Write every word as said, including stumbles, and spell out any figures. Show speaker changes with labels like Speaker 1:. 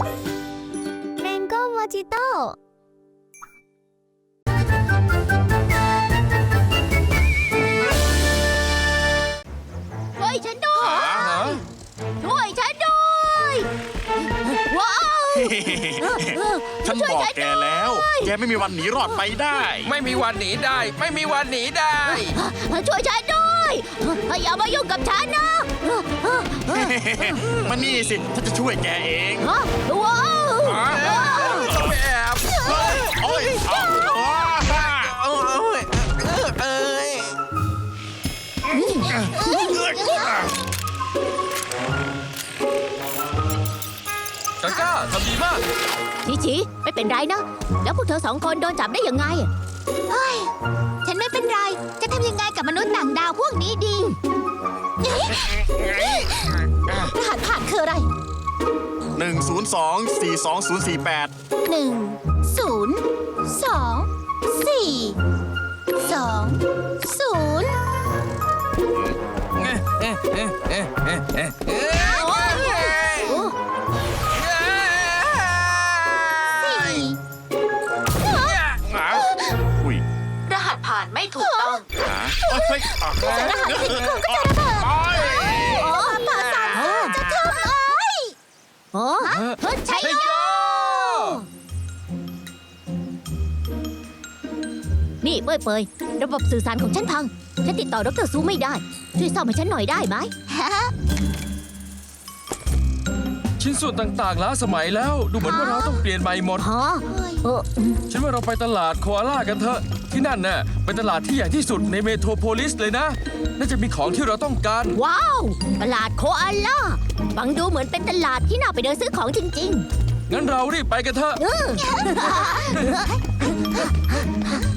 Speaker 1: แมงโก้โมจิโต้ช่วยฉันด้วยช่วยฉันด้วยว้าว
Speaker 2: ฉันบอกแกแล้ว แกไม่มีวันหนีรอดไปได้
Speaker 3: ไม่มีวันหนีได้ ไม่มีวันหนีได้
Speaker 1: ช่วยฉันด้วยอย่ามายุ่งกับฉันนะ
Speaker 2: มานี่สิฉันจะช่วยแกเอง
Speaker 1: ว้าว
Speaker 3: ต้องไปแอบ
Speaker 2: โอ้ยเอาเอา
Speaker 3: เอ้ยเอ้ย กาก้าทำดีมาก
Speaker 1: ชิชิไม่เป็นไรนะ แล้วพวกเธอสองคนโดนจับได้ยังไงเฮ้ยฉันไม่เป็นไร จะทำยังไงกับมนุษย์ต่างดาวพวกนี้ดีรหัสผ่านคืออะไร
Speaker 2: หนึ่งศูนย์สองสี่สองศูนย์สี่แปด
Speaker 1: หนึ่งศูนย์สองสี่สองศูนย์สี่
Speaker 2: อุ้ย
Speaker 4: รหัสผ่านไม่ถูกต้อง
Speaker 2: หาเฮ้ยอ่ะ
Speaker 1: รหัสผิดคุณก็จะระเบิด
Speaker 2: โอ้ย
Speaker 1: โอ้ผ่านสามจะทำไอ้โอ้ใช่โยนี่เปยเปยระบบสื่อสารของฉันพัง ฉันติดต่อดรซูไม่ได้ ช่วยซ่อมให้ฉันหน่อยได้ไหม
Speaker 3: ชิ้นส่วนต่างๆล้าสมัยแล้ว ดูเหมือนว่าเราต้องเปลี่ยนใหม่หมด
Speaker 1: ฮะเออ
Speaker 3: ฉันว่าเราไปตลาดโคอาล่ากันเถอะ ที่นั่นน่ะเป็นตลาดที่ใหญ่ที่สุดในเมโทรโพลิสเลยนะ น่าจะมีของที่เราต้องการ
Speaker 1: ว้าว ตลาดโคอาล่าฟังดูเหมือนเป็นตลาดที่น่าไปเดินซื้อของจริง
Speaker 3: งั้นเรารีบไปกันเถอะ
Speaker 1: ๆ